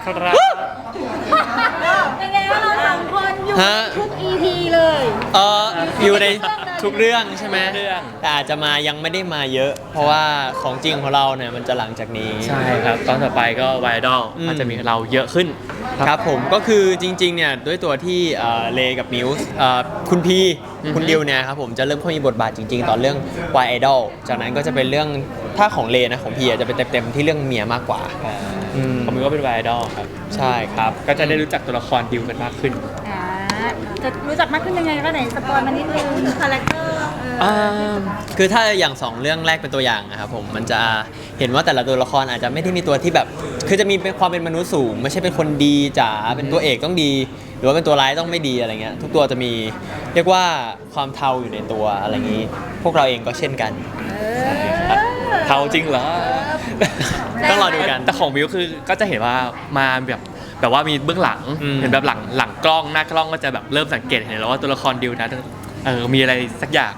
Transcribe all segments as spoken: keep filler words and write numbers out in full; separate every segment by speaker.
Speaker 1: ครับ
Speaker 2: เป็นไงว่าเราสองคนอยู่
Speaker 3: ฮะ
Speaker 2: ทุก อี พี เลย
Speaker 3: เอออยู่ในทุกเรื่องใช่ไหม
Speaker 1: เรื่อง
Speaker 3: แต่อาจจะมายังไม่ได้มาเยอะ เพราะว่าของจริงของเราเนี่ยมันจะหลังจากนี้
Speaker 1: ใช่ครับตอนต่อไปก็ไวดอล
Speaker 3: อืม
Speaker 1: อาจจะมีเราเยอะขึ้น
Speaker 3: ครับผมก็คือจริงๆเนี่ยด้วยตัวที่เอ่อเลกับมิวส์เอ่อคุณพี
Speaker 1: อือฮึ
Speaker 3: คุณดิวเนี่ยครับผมจะเริ่มเข้ามีบทบาทจริงๆ ตอนเรื่อง Y Idol จากนั้นก็จะเป็นเรื่องถ้าของเลนะของพีอาจจะเป็นเต็มๆที่เรื่องเมียมากกว่า อืม
Speaker 1: ผมก็เป็นไวดอลครับ
Speaker 3: ใช่ครับ
Speaker 1: ก็จะได้รู้จักตัวละครดิวกันมากขึ้น
Speaker 2: อ่าจะรู้จักมากขึ้นยังไงก็ไหนสปอยล์มานิดนึงคาแรคเตอร์เออ
Speaker 3: คือถ้าอย่างสองเรื่องแรกเป็นตัวอย่างนะครับผมมันจะเห็นว่าแต่ละตัวละครอาจจะไม่ได้มีตัวที่แบบ คือจะมีเป็นความเป็นมนุษย์สูง ไม่ใช่เป็นคนดีจ๋าเป็นตัวเอกต้องดี หรือว่าเป็นตัวร้ายต้องไม่ดีอะไรเงี้ยทุกตัวจะมีเรียกว่าความเทาอยู่ในตัวอะไรอย่างนี้ พวกเราเองก็เช่นกัน
Speaker 1: เทาจริงเหรอ
Speaker 3: ต้องรอดูกัน
Speaker 1: แต่ของวิวคือก็จะเห็นว่ามาแบบแบบว่ามีเบื้องหลัง
Speaker 3: อืม
Speaker 1: เห็นแบบหลังหลังกล้องหน้ากล้องก็จะแบบเริ่มสังเกตเห็นแล้วว่าตัวละครดิวนะเออมีอะไรสักอย่าง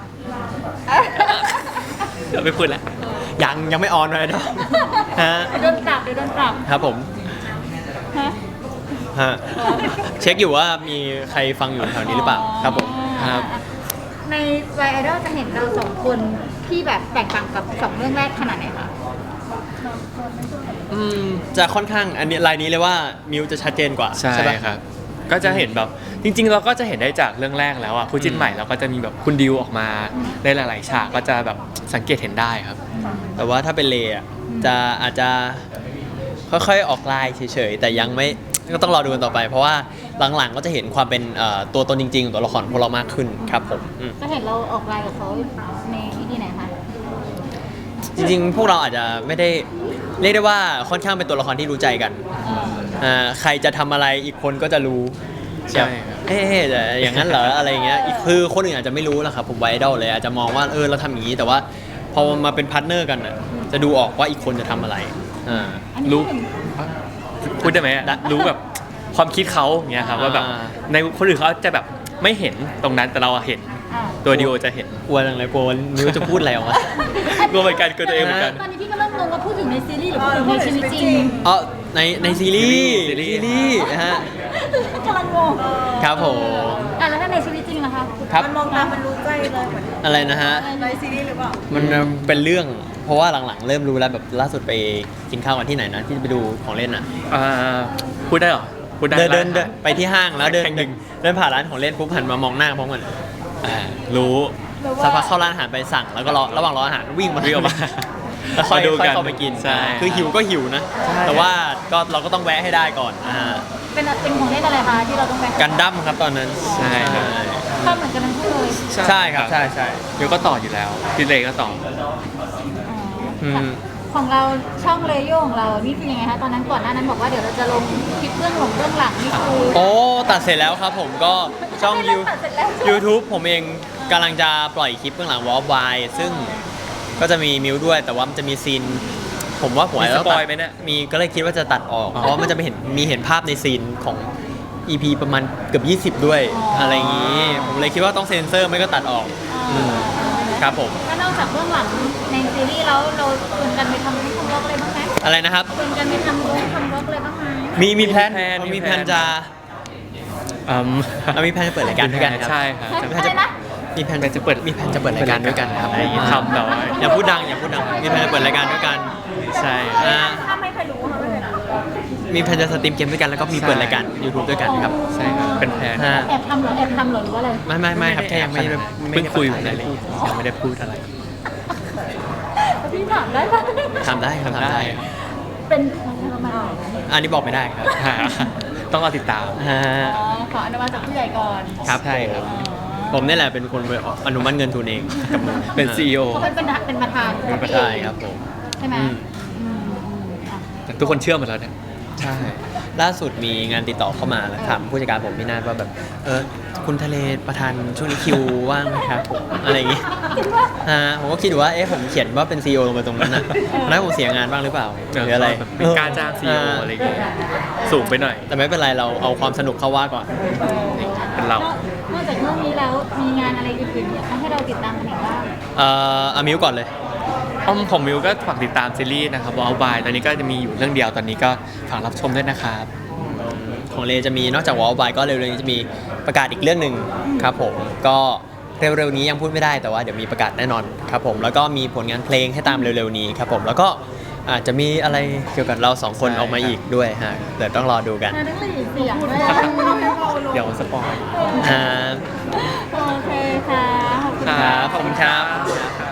Speaker 1: เดี๋ยวไม่พูดแล้ว
Speaker 3: ยังยังไม่ออนเลยเนาะฮะ
Speaker 2: เดี๋ยวโดนปรับเดี๋ยวโดนปรับ
Speaker 3: ครับผม
Speaker 2: ฮะ
Speaker 3: ฮะเช็คอยู่ว่ามีใครฟังอยู่แถวนี้หรือเปล่าครับผมครับ
Speaker 2: ในไวไอดอลจะเห็นเราสองคนที่แบบแตกต่างกับสองเรื่องแรกขนาดไหนคะ
Speaker 3: อืมจะค่อนข้างอันนี้ลายนี้เลยว่ามิวจะชัดเจนกว่า
Speaker 1: ใช่
Speaker 3: ปะ
Speaker 1: ครับ ก็จะเห็นแบบจริง ๆ เราก็จะเห็นได้จากเรื่องแรกแล้วอ่ะคู่จิ้น
Speaker 3: อืม
Speaker 1: ใหม่เราก็จะมีแบบคุณดิวออกมาในหลาย ๆ ฉากก็จะแบบสังเกตเห็นได้ครับ
Speaker 3: แต่ว่าถ้าเป็นเลอะจะอาจจะค่อยๆออกลายเฉยๆแต่ยังไม่ก็ต้องรอดูกันต่อไป เพราะว่าหลังๆก็จะเห็นความเป็นเอ่อตัวตนจริงๆของตัวละครพวกเรามากขึ้นครับผมอืม
Speaker 2: จะเห็นเราออกไลน์กับเขาในอีพีไหนคะ
Speaker 3: จริงๆ พวกเราอาจจะไม่ได้เรียกได้ว่าค่อนข้างเป็นตัวละครที่รู้ใจกัน
Speaker 2: เออ
Speaker 3: อ่าใครจะทำอะไรอีกคนก็จะรู้
Speaker 1: ใช่ครับ
Speaker 3: เอ๊ะแต่อย่างนั้นเหรออะไรอย่างเงี้ยอีกคือคนอื่นอาจจะไม่รู้แหละครับผมไวดอลเลยอาจจะมองว่าเออเราทำอย่างนี้แต่ว่าพอมาเป็นพาร์ทเนอร์กันอ่ะจะดูออกว่าอีกคนจะทำอะไรอ่า
Speaker 2: อันนี้
Speaker 1: รู้
Speaker 2: พูดถึง
Speaker 1: พูดได้ไหมอะรู้แบบความคิดเขาอย่างเงี้ยครับว่าแบบ
Speaker 3: อ่า
Speaker 1: ในคนอื่นเขาจะแบบไม่เห็นตรงนั้นแต่เราอะเห็น
Speaker 2: อ่า
Speaker 1: ตัวดิโอจะเห็น
Speaker 3: กลัวจังเลยกลัวมิวจะพูดอะไรออกมา
Speaker 1: กลัวเหมือนกันกลัวตัวเองเหมือนกัน
Speaker 2: ตอนนี้พี่ก็เริ่มงงว่าพูดถึงในซีรีส์หรือพูดถึงในชีวิตจริง
Speaker 3: อ๋อในในซีรีส์
Speaker 1: ซีรีส์
Speaker 3: ซีรีส์นะฮะ
Speaker 2: กำลังงง
Speaker 3: ครับผม
Speaker 2: อ่ะแล้วถ้าในชีวิตจริงล่ะคะ
Speaker 3: ครับ
Speaker 4: มันมองตามมันรู้ใจเลยเหมือน
Speaker 3: อะไรนะฮะ
Speaker 4: ในซีรีส์หรือเปล่า
Speaker 3: มันเป็นเรื่องเพราะว่าหลังๆ เริ่มรู้แล้วแบบล่าสุดไปกินข้าวกันที่ไหนนะที่ไปดูของเล่นอ่ะ
Speaker 1: อ่าพูดได้เหรอพูดได้
Speaker 3: เดินเดิน
Speaker 1: ร้า
Speaker 3: เดิน
Speaker 1: อาหาร
Speaker 3: ไปที่ห้างแล้วเดิน
Speaker 1: แข่งหนึ่ง
Speaker 3: เดินผ่านร้านของเล่นปุ๊บหันมามองหน้าพร้อมกัน
Speaker 1: อ่ารู้
Speaker 2: หรือว่า
Speaker 3: สักพักเข้าร้านอาหารไปสั่งแล้วก็รอระหว่างรออาหารวิ่งมา
Speaker 1: วิ่งออกมา
Speaker 3: แล้วค่อย
Speaker 1: มาดู
Speaker 3: ค่อย
Speaker 1: กัน
Speaker 3: เข้าไปกิน
Speaker 1: ใช่
Speaker 3: คือหิวก็หิวนะ
Speaker 1: ใช่
Speaker 3: แต่ว่าก็เราก็ต้องแวะให้ได้ก่อนนะฮะ
Speaker 2: เป็นเป็นของเล่นอะไรคะที่เราต้องไป
Speaker 3: กันดั้มครับตอนนั้น
Speaker 1: ใช่ครับ
Speaker 2: ข้ามเหมือนกันทั้งคู่เลย
Speaker 3: ใช่ครับใช่ใช่
Speaker 1: เดี๋ยวก็ต่ออยู่แล้วพี่เลก็ต่อ
Speaker 3: อืม
Speaker 2: ของเราช่องเลโยของเรานี่คือยังไงคะตอนนั้นก่อนหน้านั้นบอกว่าเดี๋ยวเราจะลงคลิปเบื้องหลังเบื้องหลังนี่คือ
Speaker 3: โอ้ตัดเสร็จแล้วครับผมก็ช่อง
Speaker 2: ไม่
Speaker 3: ยู
Speaker 2: ได้ตัดเสร็จแล้ว
Speaker 3: YouTube ผมเองกำลังจะปล่อยคลิปเบื้องหลังวอลบายซึ่งก็จะมีมิวด้วย แต่ว่ามันจะมีซีน ผมว่าผมอาจจะต้อง
Speaker 1: มีสป
Speaker 3: ตั
Speaker 1: อ
Speaker 3: ด
Speaker 1: ยไหมเนี่ย
Speaker 3: มีก็เลยคิดว่าจะตัดออก
Speaker 1: อ๋อ
Speaker 3: เพราะว่ามันจะไม่เห็นมีเห็นภาพในซีนของ อี พี ประมาณเกือบยี่สิบด้วยอะไรอย่างนี้ ผมเลยคิดว่าต้องเซ็นเซอร์ไม่ก็ตัดออกอืมครับผม
Speaker 2: แล้วนอกจากเบื้องหลังในซีรีส์แล้วเราชวนกันไปทำรูปทำบล็อกอะไรบ้างไหม
Speaker 3: อะไรนะครับ
Speaker 2: ชวนกันไปทำรูปทำบล็อกอะไรบ้างไหม
Speaker 3: มีมีแพลน
Speaker 1: มีแพลน
Speaker 3: มี
Speaker 1: มี
Speaker 3: แพ
Speaker 1: แพ
Speaker 3: ล
Speaker 1: ล
Speaker 3: น
Speaker 1: น
Speaker 3: จะ
Speaker 1: อืม
Speaker 3: เรามีแพลนจะเปิดรายการด้วยกันครับ
Speaker 1: ใช่ครับ
Speaker 2: ใช่
Speaker 3: มีแพลนจะ
Speaker 2: อะไรนะ
Speaker 3: มีแพลนจะเปิดมีแพลนจะเปิดรายการด้วยกันครับ
Speaker 1: ทำแบบว่า
Speaker 3: อย่าพูดดังอย่าพูดดังมีแพลนจะเปิดรายการด้วยกัน
Speaker 1: ใช่
Speaker 3: อ่า
Speaker 4: ถ้าไม่เคยรู้เขาไม่เคยรู้
Speaker 3: มีแพลนจะสตรีมเกมด้วยกันแล้วก็มีเปิดรายการ YouTube ด้วยกันครับ
Speaker 1: ใช่ครับเป็นแพลน
Speaker 3: ฮะ
Speaker 2: แอบทำเหรอแอบทำเหรอหรือว่าอะไร
Speaker 3: ไม่ไม่ไม่ครับแค่ยังไม่ได้ไม่
Speaker 1: เพิ่งคุย
Speaker 3: ได้
Speaker 1: อะไรเลยยังไม่ได้พูดอะไร
Speaker 2: พี่ถามได้ปะ
Speaker 3: ทำได้ครับทำได้
Speaker 2: เป็นประมาณไหน
Speaker 3: อันนี้บอกไม่ได้ครับ
Speaker 1: ต้องรอติดตาม
Speaker 3: ฮะ
Speaker 2: อ๋อขออนุมัติจากผู้ใหญ่ก่อน
Speaker 3: ครับ
Speaker 1: ใช่ครับ
Speaker 3: ผมนี่แหละเป็นคนไปอนุมัติเงินทุนเองกับมือ
Speaker 1: เป็น ซี อี โอ
Speaker 2: เขาเป็นประธานเป็นประธาน
Speaker 3: เป็นประธานครับผม
Speaker 2: ใช่ไหม
Speaker 3: อืม
Speaker 2: อืมอืมอ่ะ
Speaker 1: แต่ทุกคนเชื่อหมดแล้วเนี่ย
Speaker 3: ใช่ ล่าสุดมีงานติดต่อเข้ามาแล้วถามผู้จัดการผมพี่นาฏว่าแบบ เออคุณทะเลประธานช่วงนี้คิวว่างไหมครับผมอะไรอย่างงี้
Speaker 2: คิดว่า
Speaker 3: ฮะผมก็คิดอยู่ว่า เอ๊ะผมเขียนว่าเป็นซีอีโอลงไปตรงนั้นนะแล้วผมเสียงานบ้างหรือเปล่าหรืออะไร
Speaker 1: แบบเป็นการจ้าง ซี อี โอ อะไรอย่างเงี้ยสูงไปหน่อย
Speaker 3: แต่ไม่เป็นไรเราเอาความสนุกเข้าว่าก่อน
Speaker 1: เป็นเรา
Speaker 2: นอกจากเรื่องนี้แล้วมีงานอะไรอื่นๆอยากให้เราติดตามกันอีกบ้าง
Speaker 3: เอ่ออามิวก่อนเลย
Speaker 2: อ
Speaker 1: อ้อมของมิวก็ฝากติดตามซีรีส์นะครับวอลบายตอนนี้ก็จะมีอยู่เรื่องเดียวตอนนี้ก็ฝากรับชมด้วยนะครับ
Speaker 3: ของเลจะมีนอกจากวอลบายก็เร็วๆนี้จะมีประกาศอีกเรื่องหนึ่งครับผมก็เร็วๆนี้ยังพูดไม่ได้แต่ว่าเดี๋ยวมีประกาศแน่นอนครับผมแล้วก็มีผลงานเพลงให้ตามเร็วๆนี้ครับผมแล้วก็อาจจะมีอะไรเกี่ยวกับเราสองคน
Speaker 1: ใช่
Speaker 3: ออกมาอีกด้วยฮะเดี๋ยวต้องรอดูกัน
Speaker 2: นาต้องมีเสียงด้วย
Speaker 1: เดี๋ยวสปอย
Speaker 3: อ่า
Speaker 2: โอเคค่ะขอบคุณ
Speaker 1: ครับขอบคุณครับ
Speaker 3: ครับ